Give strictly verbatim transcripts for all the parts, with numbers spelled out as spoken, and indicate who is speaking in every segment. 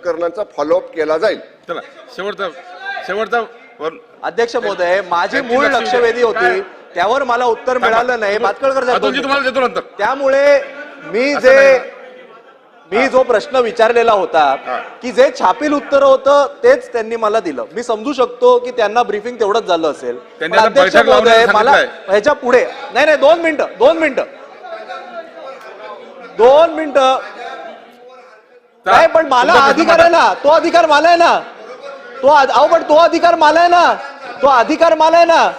Speaker 1: प्रकरणांचा फॉलोअप केला जाईल।
Speaker 2: चला शेवटचा शेवटचा
Speaker 3: अध्यक्ष महोदय, माझी मूळ लक्षवेधी होती, त्यावर मला उत्तर मिळालं नाही। भातखळकर साहेब, त्यामुळे मी जे मी जो प्रश्न विचारलेला होता की जे छापील उत्तर होतं तेच त्यांनी मला दिलं। मी समजू शकतो की त्यांना ब्रीफिंग तेवढंच झालं असेल। अध्यक्ष महोदय, मला ह्याच्या पुढे नाही नाही दोन मिनिटं दोन मिनिटं दोन मिनिटं नाही, पण मला अधिकार आहे ना, तो अधिकार मला आहे ना, तो अहो पण तो अधिकार मला आहे ना, तो अधिकार मला आहे ना,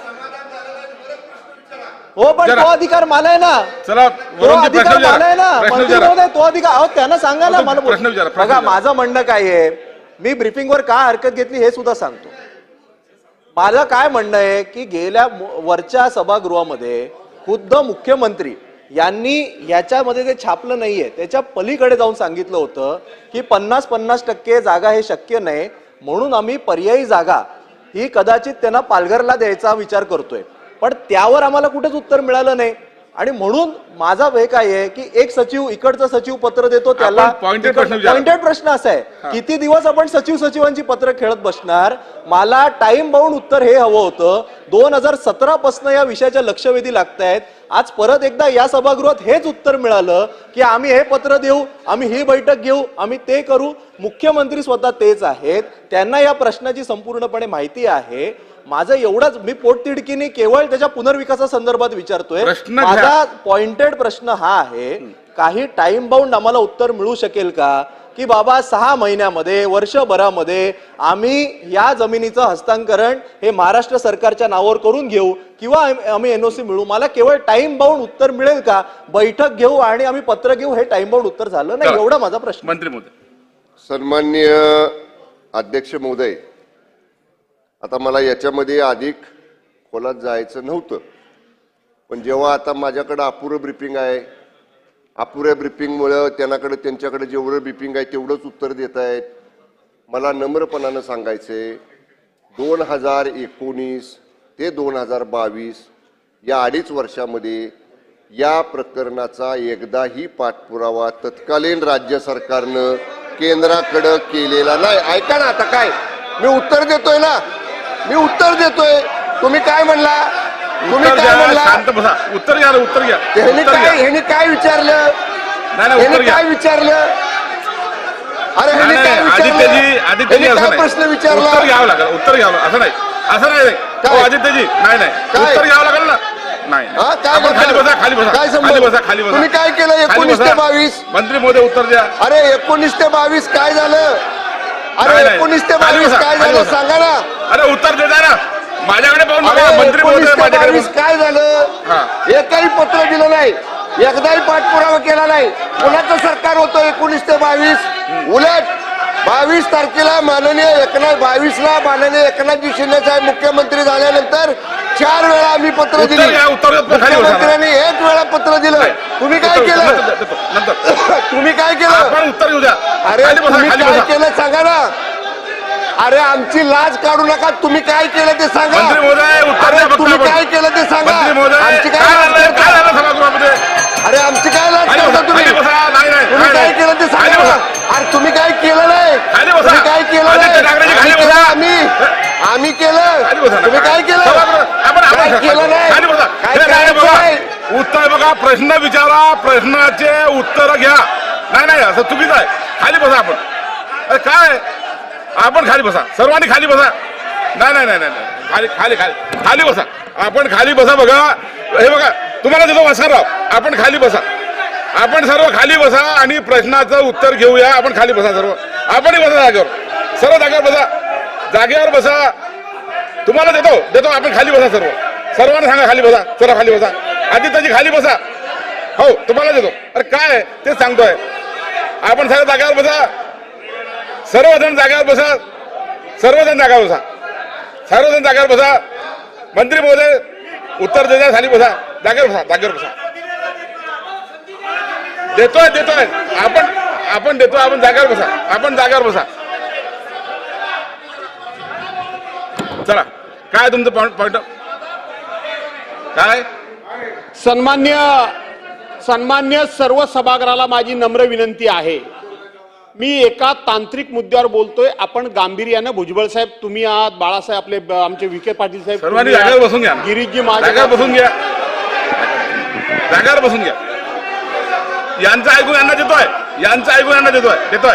Speaker 3: हो पण तो अधिकार मला आहे ना,
Speaker 2: चला
Speaker 3: तो अधिकार मला आहे ना, मंत्री महोदय तो अधिकार, अहो त्यांना सांगा ना मला। बघा माझं म्हणणं काय आहे, मी ब्रीफिंगवर काय हरकत घेतली हे सुद्धा सांगतो। माझं काय म्हणणं आहे की गेल्या वरच्या सभागृहामध्ये खुद्द मुख्यमंत्री यांनी याच्यामध्ये जे छापलं नाहीये त्याच्या पलीकडे जाऊन सांगितलं होतं की पन्नास पन्नास टक्के जागा हे शक्य नाही, म्हणून आम्ही पर्यायी जागा ही कदाचित त्यांना पालघरला द्यायचा विचार करतोय। पण त्यावर आम्हाला कुठेच उत्तर मिळालं नाही, आणि म्हणून माझा वे काय आहे की एक सचिव इकडचं सचिव पत्र देतो त्याला पॉइंटेड प्रश्न असा आहे, किती दिवस आपण सचिव सचिवांची पत्र खेळत बसणार? मला टाइम बाउंड उत्तर हे हवं होतं। दोन हजार सतरा पासून या विषयाच्या लक्षवेधी लागतायत, आज परत एकदा या सभागृहात हेच उत्तर मिळालं की आम्ही हे पत्र देऊ, आम्ही ही बैठक घेऊ, आम्ही ते करू। मुख्यमंत्री स्वतः तेच आहेत, त्यांना या प्रश्नाची संपूर्णपणे माहिती आहे। माझं एवढंच, मी पोटतिडकीने केवळ त्याच्या पुनर्विकासासंदर्भात विचारतोय। माझा पॉइंटेड प्रश्न हा आहे, काही टाइम बाउंड आम्हाला उत्तर मिळू शकेल का की बाबा सहा महिन्यामध्ये वर्षभरामध्ये आम्ही या जमिनीचं हस्तांतरण हे महाराष्ट्र सरकारच्या नावावर करून घेऊ किंवा आम्ही एनओसी मिळू? मला केवळ टाइम बाउंड उत्तर मिळेल का? बैठक घेऊ आणि आम्ही पत्र घेऊ हे टाइम बाउंड उत्तर झालं नाही, एवढा माझा प्रश्न।
Speaker 2: मंत्री महोदय,
Speaker 1: सन्माननीय अध्यक्ष महोदय, आता मला याच्यामध्ये अधिक खोलात जायचं नव्हतं, पण जेव्हा आता माझ्याकडे अपुरं ब्रीफिंग आहे, अपुऱ्या ब्रीफिंगमुळं त्यांच्याकडे त्यांच्याकडे जेवढं ब्रीफिंग आहे तेवढंच उत्तर देत आहेत। मला नम्रपणानं सांगायचंय, दोन हजार एकोणीस ते दोन हजार बावीस या अडीच वर्षामध्ये या प्रकरणाचा एकदाही पाठपुरावा तत्कालीन राज्य सरकारनं केंद्राकडे केलेला नाही। ऐका ना, आता काय मी उत्तर देतोय ना, मी उत्तर देतोय, तुम्ही काय म्हणला? तुम्ही काय म्हणला?
Speaker 2: शांत बसा, उत्तर घ्या उत्तर घ्या।
Speaker 1: ह्याने काय ह्याने काय विचारलं? ह्याने काय विचारलं? अरे ह्याने काय विचारलं?
Speaker 2: आदित्यजी
Speaker 1: काय प्रश्न विचारला?
Speaker 2: उत्तर घ्यावं लागेल, उत्तर घ्यावं असं नाही, असं नाही आदित्यजी, नाही नाही उत्तर घ्यावं लागेल ना। नाही खाली बसा, खाली बसा, खाली बसा, खाली बसा।
Speaker 1: तुम्ही काय केलं एकोणीस ते बावीस?
Speaker 2: मंत्री महोदय उत्तर द्या।
Speaker 1: अरे एकोणीस ते बावीस काय झालं? अरे एकोणीस ते बावीस काय झालं सांगा ना।
Speaker 2: अरे उत्तर देता ना, माझ्याकडे पाहून
Speaker 1: मंत्री महोदय काय झालं? एकही पत्र दिलं नाही, एकदाही पाठपुरावा केला नाही। कोणाचं सरकार होतं एकोणीस ते बावीस? उलट बावीस तारखेला माननीय एकनाथ बावीसला माननीय एकनाथजी शिंदे साहेब मुख्यमंत्री झाल्यानंतर चार वेळा आम्ही पत्र दिली, मुख्यमंत्र्यांनी एक वेळा पत्र दिलं। तुम्ही काय केलं? तुम्ही काय केलं?
Speaker 2: उत्तर घेऊ द्या।
Speaker 1: अरे तुम्ही काय केलं सांगा ना। अरे आमची लाज काढू नका, तुम्ही काय केलं ते सांगा। अरे तुम्ही काय केलं ते सांगा। आमची काय अरे आमची काय लाज करता तुम्ही? तुम्ही काय केलं ते सांगा। अरे तुम्ही काय केलं नाही, तुम्ही काय केलं नाही, आम्ही आम्ही केलं, तुम्ही काय केलं? काय केलं नाही, काय करायचं?
Speaker 2: उत्तर बघा, प्रश्न विचारा, प्रश्नाचे उत्तर घ्या। नाही नाही असं चुकीचं आहे, खाली बसा आपण। अरे काय आपण खाली बसा, सर्वांनी खाली बसा। नाही नाही नाही नाही खाली खाली खाली खाली बसा, आपण खाली बसा। बघा हे बघा, तुम्हाला देतो वासरराव, आपण खाली बसा, आपण सर्व खाली बसा आणि प्रश्नाचं उत्तर घेऊया। आपण खाली बसा सर्व, आपणही बसा जागेवर, सर्व जागेवर बसा, जागेवर बसा। तुम्हाला देतो देतो आपण खाली बसा, सर्व सर्वांना सांगा खाली बसा, चला खाली बसा। आदित्यजी खाली बसा, हो तुम्हाला देतो। अरे काय ते सांगतोय, आपण सर्व जागेवर बसा, सर्वजण जागेवर बसा, सर्वजण जागेवर बसा, सर्वजण जागेवर बसा। मंत्री महोदय उत्तर देता, खाली बसा, जागेवर बसा, जागेवर बसा। देतोय देतोय आपण आपण देतोय, आपण जागेवर बसा, आपण जागेवर बसा। चला काय तुमचं पॉइंट पॉइंट काय?
Speaker 4: सन्मान्य सन्मान्य सर्व सभागृहाला माझी नम्र विनंती आहे, मी एका तांत्रिक मुद्द्यावर बोलतोय. आपण गांभीर्यानं भुजबळ साहेब तुम्ही आहात, बाळासाहेब आपले ब- आमचे विखे पाटील साहेब
Speaker 2: सर्वांनी
Speaker 4: तुम्ही
Speaker 2: जागेवर
Speaker 4: आहात,
Speaker 2: बसून घ्या.
Speaker 4: गिरीशजी माझे
Speaker 2: जागेवर बसून घ्या. जागेवर बसून घ्या. यांचं ऐकून यांना देतोय यांचं ऐकून यांना देतोय देतोय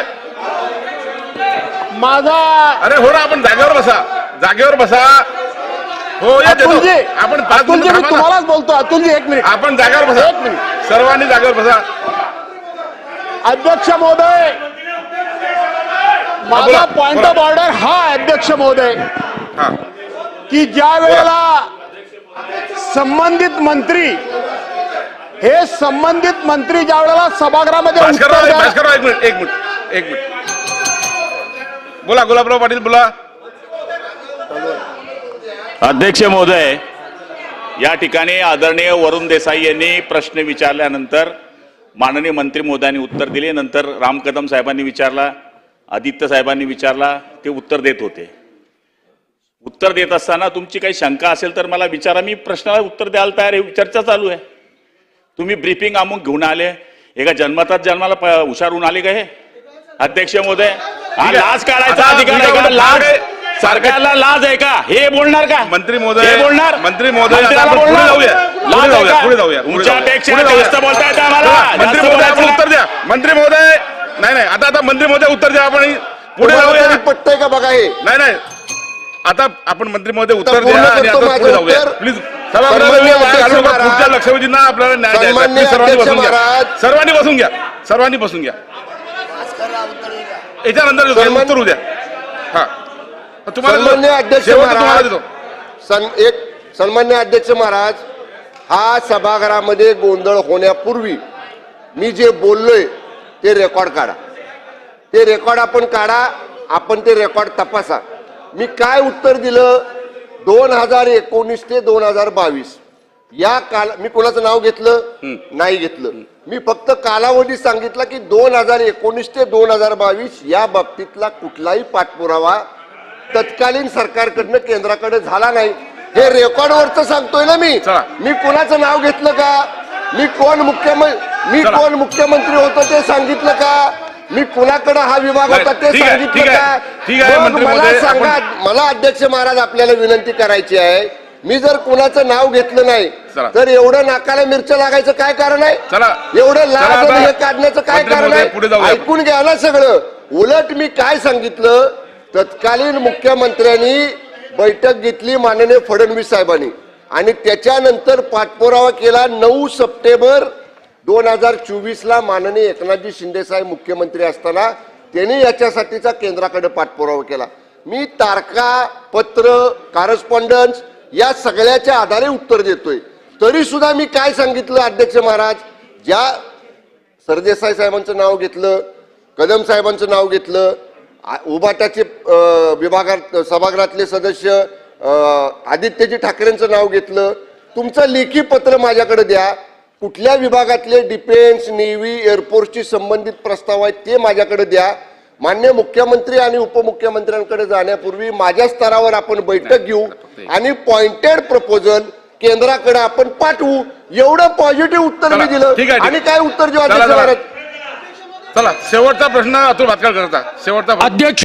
Speaker 4: माझा
Speaker 2: अरे हो ना, आपण जागेवर बसा. जागेवर बसा. हो या देतो.
Speaker 4: अतुलजी,
Speaker 2: आपण पाच
Speaker 4: अतुलजी
Speaker 2: मिनिटं
Speaker 4: मी
Speaker 2: थांबा ना.
Speaker 4: तुम्हालाच बोलतो. अतुलजी एक मिनिट.
Speaker 2: आपण जागेवर बसा.
Speaker 4: एक मिनिट.
Speaker 2: सर्वांनी जागेवर बसा.
Speaker 4: अध्यक्ष महोदय,
Speaker 2: बोला,
Speaker 4: माझा पॉइंट
Speaker 2: बोला.
Speaker 4: ऑफ ऑर्डर हा आहे, अध्यक्ष महोदय,
Speaker 2: हा
Speaker 4: की ज्या वेळेला संबंधित मंत्री हे संबंधित मंत्री ज्या वेळेला सभागृहामध्ये उत्तर
Speaker 2: भास्करराव
Speaker 4: द्या-
Speaker 2: भास्करराव एक मिनिट एक मिनिट एक मिनिट बोला. गुलाबराव पाटील बोला.
Speaker 5: अध्यक्ष महोदय, या ठिकाणी आदरणीय वरुण देसाई यांनी प्रश्न विचारल्यानंतर माननीय मंत्री महोदयांनी उत्तर दिले. नंतर राम कदम साहेबांनी विचारला, आदित्य साहेबांनी विचारला, ते उत्तर देत होते. उत्तर देत असताना तुमची काही शंका असेल तर मला विचारा, मी प्रश्नाला उत्तर द्यायला तयार आहे. चर्चा चालू आहे. तुम्ही ब्रीफिंग अमुक घेऊन आले, एका जन्मतात जन्माला प- हुशार होऊन आले का हे अध्यक्ष महोदय? हा लाज काढायचा
Speaker 2: आता
Speaker 5: अधिकार आहे का?
Speaker 2: तुमच्याकडे
Speaker 5: लाज
Speaker 2: सारखे-
Speaker 5: सरकारला लाज आहे का? हे बोलणार का
Speaker 2: मंत्री महोदय
Speaker 5: हे बोलणार
Speaker 2: मंत्री महोदय आता
Speaker 5: मंत्र्याला
Speaker 2: आपण पुढे
Speaker 5: बोलणार?
Speaker 2: जाऊया.
Speaker 5: लाज
Speaker 2: पुढे
Speaker 5: आहे
Speaker 2: जाऊया
Speaker 5: का?
Speaker 2: पुढे जाऊया पुढे जाऊया.
Speaker 5: तुमच्यापेक्षा
Speaker 2: पुढे जाऊया.
Speaker 5: जास्त बोलता येतं आम्हाला.
Speaker 2: मंत्री
Speaker 5: जास्त
Speaker 2: महोदय आपण
Speaker 5: बोलायचं
Speaker 2: उत्तर द्या. मंत्री महोदय नाही नाही आता आता मंत्री महोदय उत्तर द्या. आपण पुढे
Speaker 1: तुम्हाला
Speaker 2: जाऊया.
Speaker 1: तरी पटतंय का बघा हे?
Speaker 2: नाही नाही आता आपण मंत्री महोदय उत्तर
Speaker 1: पूर्ण
Speaker 2: द्या आणि
Speaker 1: करतो
Speaker 2: आता
Speaker 1: माझं
Speaker 2: पुढे जाऊया.
Speaker 1: उत्तर.
Speaker 2: प्लीज
Speaker 1: सन्माननीय अध्यक्ष महाराज,
Speaker 2: पुढच्या लक्षवेधींना आपल्याला न्याय द्यायचा.
Speaker 1: सन्माननीय
Speaker 2: प्लीज सर्वांनी
Speaker 1: अध्यक्ष
Speaker 2: बसून घ्या.
Speaker 1: महाराज.
Speaker 2: सर्वांनी बसून घ्या. सर्वांनी बसून घ्या. याच्यानंतर घेऊ,
Speaker 1: सन्मान-
Speaker 2: उत्तर उद्या. हा तुम्हाला
Speaker 1: सन्माननीय अध्यक्ष
Speaker 2: शेवटचं तुम्हाला
Speaker 1: महाराज
Speaker 2: देतो.
Speaker 1: सन एक सन्माननीय अध्यक्ष महाराज, हा सभागृहामध्ये गोंधळ होण्यापूर्वी मी जे बोललोय ते रेकॉर्ड काढा. ते रेकॉर्ड आपण काढा. आपण ते रेकॉर्ड तपासा. मी काय उत्तर दिलं दोन हजार एकोणीस ते दोन हजार बावीस या काल मी कोणाचं नाव घेतलं नाही घेतलं. मी फक्त कालावधी सांगितला की दोन हजार एकोणीस ते दोन हजार बावीस या बाबतीतला कुठलाही पाठपुरावा तत्कालीन सरकारकडनं केंद्राकडे झाला नाही. हे रेकॉर्डवरच सांगतोय ना मी.
Speaker 2: चला.
Speaker 1: मी कोणाचं नाव घेतलं का? मी कोण मुख्यमंत्री मी
Speaker 2: चला.
Speaker 1: कोण मुख्यमंत्री होतो ते सांगितलं का? मी कुणाकडे हा विभाग होता ते
Speaker 2: ठीक आहे,
Speaker 1: सांगितलं
Speaker 2: ठीक आहे,
Speaker 1: का?
Speaker 2: ठीक आहे,
Speaker 1: मग
Speaker 2: मंत्री
Speaker 1: मला
Speaker 2: महोदय,
Speaker 1: सांगा,
Speaker 2: आपण-
Speaker 1: मला अध्यक्ष महाराज आपल्याला विनंती करायची आहे. मी जर कुणाचं नाव घेतलं नाही
Speaker 2: चला.
Speaker 1: तर एवढं नाकाला मिरच्या लागायचं काय कारण आहे?
Speaker 2: चला.
Speaker 1: एवढं
Speaker 2: चला
Speaker 1: लाज
Speaker 2: आता.
Speaker 1: आणि हे काढण्याचं काय
Speaker 2: मंत्री
Speaker 1: कारण
Speaker 2: महोदय, पुढे
Speaker 1: आहे?
Speaker 2: जाऊया.
Speaker 1: ऐकून घ्या ना सगळं. उलट मी काय सांगितलं, तत्कालीन मुख्यमंत्र्यांनी बैठक घेतली माननीय फडणवीस साहेबांनी आणि त्याच्यानंतर पाठपुरावा केला. नऊ सप्टेंबर दोन हजार चोवीस ला माननीय एकनाथजी शिंदे साहेब मुख्यमंत्री असताना त्यांनी याच्यासाठीचा केंद्राकडे पाठपुरावा केला. मी तारखा पत्र कॉरेस्पॉन्डन्स या सगळ्याच्या आधारे उत्तर देतोय. तरी सुद्धा मी काय सांगितलं अध्यक्ष महाराज, ज्या सरदेसाई साहेबांचं नाव घेतलं, कदम साहेबांचं नाव घेतलं, आ- उबाटाचे अ, विभागात सभागृहातले सदस्य अ, आदित्यजी ठाकरेंचं नाव घेतलं. तुमचं लेखी पत्र माझ्याकडे द्या. कुठल्या विभागातले डिफेन्स नेव्ही एअरफोर्सशी संबंधित प्रस्ताव आहेत ते माझ्याकडे द्या. मान्य मुख्यमंत्री आणि उपमुख्यमंत्र्यांकडे जाण्यापूर्वी माझ्या स्तरावर आपण बैठक घेऊ आणि पॉइंटेड प्रपोजल केंद्राकडे आपण पाठवू. एवढं पॉझिटिव्ह उत्तर
Speaker 2: चला,
Speaker 1: मी दिलं.
Speaker 2: ठीक आहे, ठीक
Speaker 1: आणि
Speaker 2: आहे.
Speaker 1: काय उत्तर देऊ
Speaker 2: चला,
Speaker 1: अध्यक्ष
Speaker 2: चला.
Speaker 1: महाराज?
Speaker 2: चला शेवटचा प्रश्न अतुल भातखळ करता. शेवटचा प्रश्न.
Speaker 6: अध्यक्ष